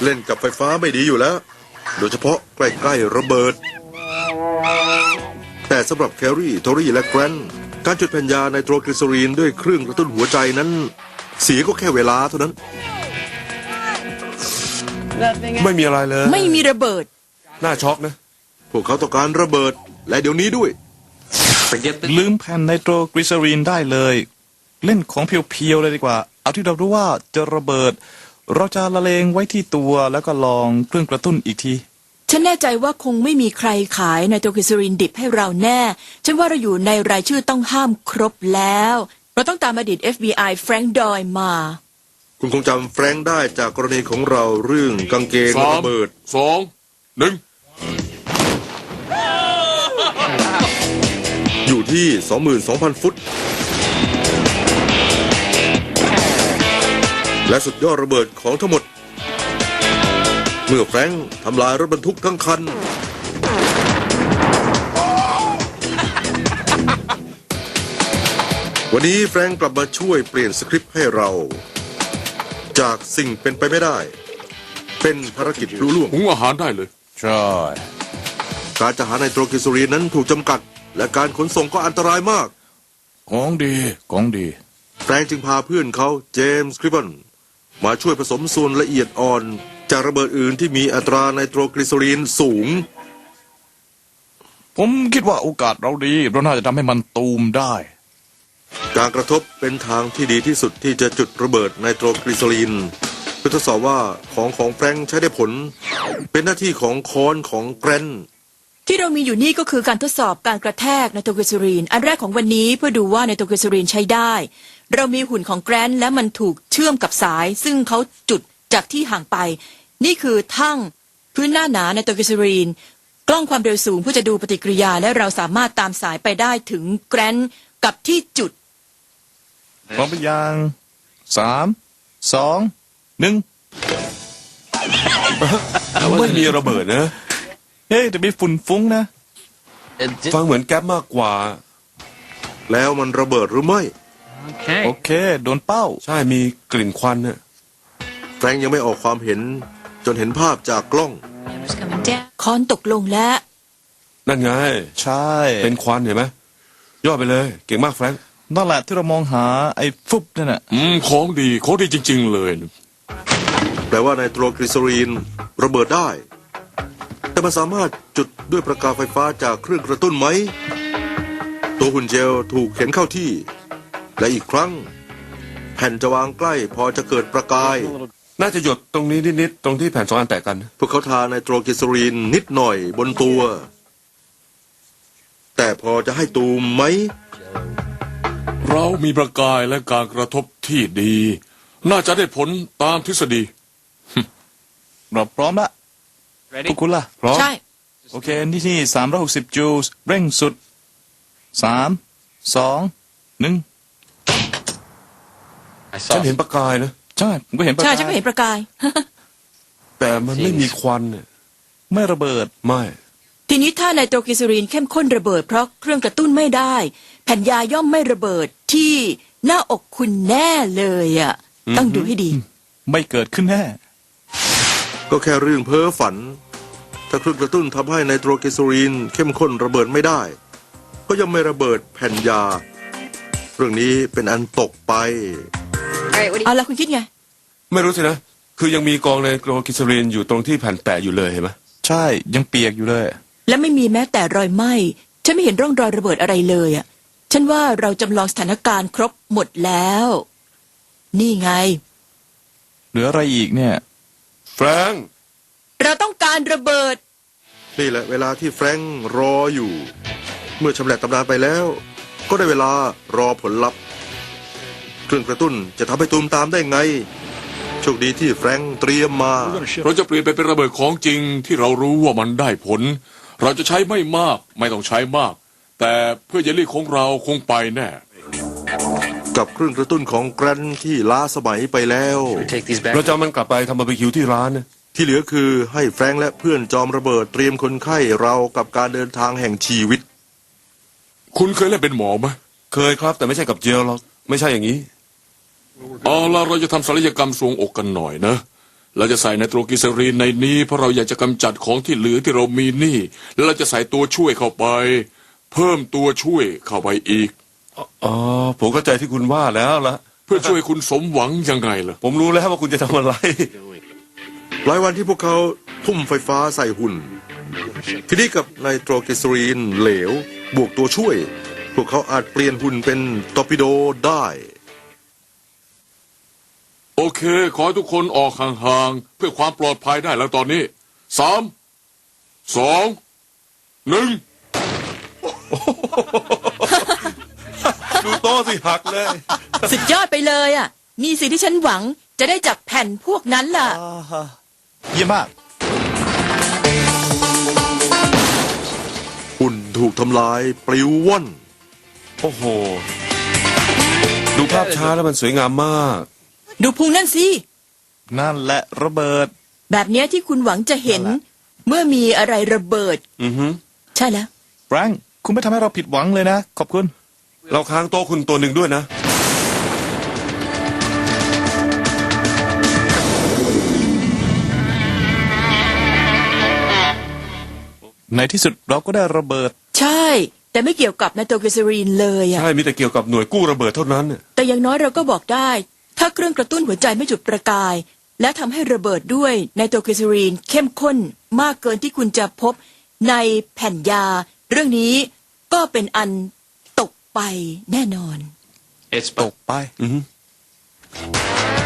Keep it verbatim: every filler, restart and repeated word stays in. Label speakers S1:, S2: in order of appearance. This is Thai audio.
S1: เล่นกับไฟฟ้าไม่ดีอยู่แล้วโดยเฉพาะใกล้ๆระเบิดแต่สำหรับแครี่โทรี่และแกรนการจุดแผ่นยาไนโตรกลีเซอรีนด้วยเครื่องกระตุ้นหัวใจนั้นเสียก็แค่เวลาเท่านั้น
S2: ไม่มีอะไรเลย
S3: ไม่มีระเบิด
S2: น่าช็อกนะ
S1: พวกเขาต้องการระเบิดและเดี๋ยวนี้ด้วย
S4: ลืมแผ่นไนโตรกลีเซอรีนได้เลยเล่นของเพียวๆเลยดีกว่าเอาที่เรารู้ว่าจะระเบิดเราจะละเลงไว้ที่ตัวแล้วก็ลองเครื่องกระตุ้นอีกที
S3: ฉันแน่ใจว่าคงไม่มีใครขายไนโตรกลีเซอรีนดิบให้เราแน่ฉันว่าเราอยู่ในรายชื่อต้องห้ามครบแล้วเราต้องตามอดีต เอฟ บี ไอ แฟรงค์ดอยมา
S1: คุณคงจำแฟรงค์ได้จากกรณีของเราเรื่องกางเกงระเบิด
S2: สองหนึ่ง
S1: อยู่ที่ สองหมื่นสองพัน ฟุตและสุดยอดระเบิดของทั้งหมดเมื่อแฟรงค์ทำลายรถบรรทุกทั้งคันวันนี้แฟรงค์กลับมาช่วยเปลี่ยนสคริปต์ให้เราจากสิ่งเป็นไปไม่ได้เป็นภารกิจรุ่ล่วง
S2: หุงอาหารได้เลย
S4: ใช่
S1: การจะหาไนโตรกลีเซอรีนนั้นถูกจำกัดและการขนส่งก็อันตรายมาก
S4: ของดีของดี
S1: แฟรงค์จึงพาเพื่อนเขาเจมส์คริบเบิลมาช่วยผสมส่วนละเอียดอ่อนจากระเบิดอื่นที่มีอัตราไนโตรกลีเซอรีนสูง
S4: ผมคิดว่าโอกาสเราดีเราน่าจะทำให้มันตูมได้
S1: การกระทบเป็นทางที่ดีที่สุดที่จะจุดระเบิดไนโตรกลีเซอรีนเพื่อทดสอบว่าของของแฟรงค์ใช้ได้ผลเป็นหน้าที่ของค้อนของแกรน
S3: ที่เรามีอยู่นี่ก็คือการทดสอบการกระแทกไนโตรกลีเซอรีนอันแรกของวันนี้เพื่อดูว่าไนโตรกลีเซอรีนใช้ได้เรามีหุ่นของแกรนและมันถูกเชื่อมกับสายซึ่งเขาจุดจากที่ห่างไปนี่คือทั่งพื้นหน้าหนาไนโตรกลีเซอรีนกล้องความเร็วสูงเพื่อจะดูปฏิกิริยาและเราสามารถตามสายไปได้ถึงแกรนกับที่จุด
S4: พร้อมหรือยังสามสองหนึ่ง
S2: ไม่มีระเบิดนะ
S4: เฮ้ยแต่มีฝุ่นฟุ้งนะ
S2: ฟังเหมือนแก๊ปมากกว่า
S1: แล้วมันระเบิดหรือไม่
S4: โอเคโดนเป้า
S2: ใช่มีกลิ่นควันเนี่ย
S1: แฟรงค์ยังไม่ออกความเห็นจนเห็นภาพจากกล้อง
S3: คอนตกลงแล้ว
S2: นั่นไง
S4: ใช่
S2: เป็นควันเห็นไหมย่อไปเลยเก่งมากแฟรงค์
S4: นั่นแหละที่เรามองหาไอ้ฟุบนั่นน่ะ
S2: อืมของดีของดีจริงๆเลย
S1: แปลว่าไนโตรกลีเซอรีนระเบิดได้แต่มันสามารถจุดด้วยประกายไฟฟ้าจากเครื่องกระตุ้นไหมตัวหุ่นเจลถูกเข็นเข้าที่และอีกครั้งแผ่นจะวางใกล้พอจะเกิดประกาย
S2: น่าจะหยดตรงนี้นิดๆตรงที่แผ่นสองอันแตกกัน
S1: พวกเขาทาไนโตรกลีเซอรีนนิดหน่อยบนตัวแต่พอจะให้ตูมไหม
S2: เรามีประกายและการกระทบที่ดีน่าจะได้ผลตามทฤษฎี
S4: เราพร้อมละพวกคุณล่ะ
S2: พร้อม
S3: ใช่
S4: โอเคนี่ที่สามร้อยหกสิบจูลส์เร่งสุดสามสองหนึ่ง
S2: ฉันเห็นประกายนะ
S4: ใช่ผมก็เห็นประกาย
S3: ใช่ฉันก็เห็นประกาย
S2: แต่มันไม่มีควันเนี่ย
S4: ไม่ระเบิด
S2: ไม่
S3: ทีนี้ถ้าไนโตรกลีเซอรีนเข้มข้นระเบิดเพราะเครื่องกระตุ้นไม่ได้แผ่นยาย่อมไม่ระเบิดที่หน้าอกคุณแน่เลยอ่ะต้องดูให้ดี
S4: ไม่เกิดขึ้นแน่
S1: ก็แค่เรื่องเพ้อฝันถ้าเครื่องกระตุ้นทำให้ไนโตรกลีเซอรีนเข้มข้นระเบิดไม่ได้ก็ยังไม่ระเบิดแผ่นยาเรื่องนี้เป็นอันตกไป
S3: เอาละคุณคิดไง
S2: ไม่รู้สินะคือยังมีกองไนโตรกลีเซอรีนอยู่ตรงที่แผ่นแปะอยู่เลยเห็นไหม
S4: ใช่ยังเปียกอยู่เลย
S3: และไม่มีแม้แต่รอยไหม้ฉันไม่เห็นร่องรอยระเบิดอะไรเลยอ่ะฉันว่าเราจำลองสถานการณ์ครบหมดแล้วนี่ไง
S4: เหลืออะไรอีกเนี่ย
S2: แฟรงค์
S3: เราต้องการระเบิด
S1: นี่แหละเวลาที่แฟรงค์รออยู่เมื่อชำแหละตำนานไปแล้วก็ได้เวลารอผลลัพธ์เครื่องกระตุ้นจะทำให้ตูมตามได้ไงโชคดีที่แฟรงค์เตรียมมา
S2: เราจะเปลี่ยนไปเป็นระเบิดของจริงที่เรารู้ว่ามันได้ผลเราจะใช้ไม่มากไม่ต้องใช้มากแต่เพื่อเยลลี่ของเราคงไปแน่
S1: กับเครื่องกระตุ้นของแกรนที่ล้าสมัยไปแล้ว
S2: เราจะมันกลับไปทำบาร์บีคิวที่ร้านนะ
S1: ที่เหลือคือให้แฟรงค์และเพื่อนจอมระเบิดเตรียมคนไข้เรากับการเดินทางแห่งชีวิต
S2: คุณเคยเล่นเป็นหมอไหมเคยครับแต่ไม่ใช่กับเจลหรอกไม่ใช่อย่างนี้เอาล่ะเราจะทำศัลยกรรมทรวงอกกันหน่อยนะเราจะใส่ไนโตรกลีเซอรีนในนี้เพราะเราอยากจะกำจัดของที่เหลือที่เรามีนี่ แล้วเราจะใส่ตัวช่วยเข้าไป เพิ่มตัวช่วยเข้าไปอีก
S5: อ๋อผมเข้าใจที่คุณว่าแล้วละ
S2: เพื่อช่วยคุณสมหวังยังไงล่ะ
S5: ผมรู้แล้วว่าคุณจะทำอะไร
S1: หลายวันที่พวกเขาทุ่มไฟฟ้าใส่หุ่น ทีนี้กับไนโตรกลีเซอรีนเหลว บวกตัวช่วย พวกเขาอาจเปลี่ยนหุ่นเป็นตอร์ปิโดได้
S2: โอเค ขอให้ทุกคนออกห่างๆเพื่อความปลอดภัยได้แล้วตอนนี้สามสองหนึ่ง
S5: ดูโต๊ะสิหักเลย
S3: สุดยอดไปเลยอ่ะ นี่สิ่งที่ฉันหวังจะได้จากแผ่นพวกนั้นล่ะ
S4: เยี่ยมมาก
S1: หุ่นถูกทำลายปลิวว่อน
S5: โอ้โห ดูภาพช้าแล้วมันสวยงามมาก
S3: ดูพุงนั่นสิ
S4: นั่นแหละระเบิด
S3: แบบเนี้ยที่คุณหวังจะเห็น
S4: นั่นแหละ
S3: เมื่อมีอะไรระเบิด
S5: อือฮึ
S3: ใช่แล้ว
S4: แฟรงค์คุณไม่ทำให้เราผิดหวังเลยนะ ขอบคุณ
S5: เราค้างโต๊ะคุณตัวหนึ่งด้วยนะ
S4: ในที่สุดเราก็ได้ระเบิด
S3: ใช่ แต่ไม่เกี่ยวกับไนโตรกลีเซอรีนเลยอ่ะ
S5: ใช่ มีแต่เกี่ยวกับหน่วยกู้ระเบิดเท่านั้นน่ะ
S3: แต่อย่างน้อยเราก็บอกได้ ถ้าเครื่องกระตุ้นหัวใจไม่จุดประกาย และทำให้ระเบิดด้วยไนโตรกลีเซอรีนเข้มข้นมากเกินที่คุณจะพบในแผ่นยา เรื่องนี้ก็เป็นอันตกไปแน่นอน
S4: ตกไป
S5: อือฮึ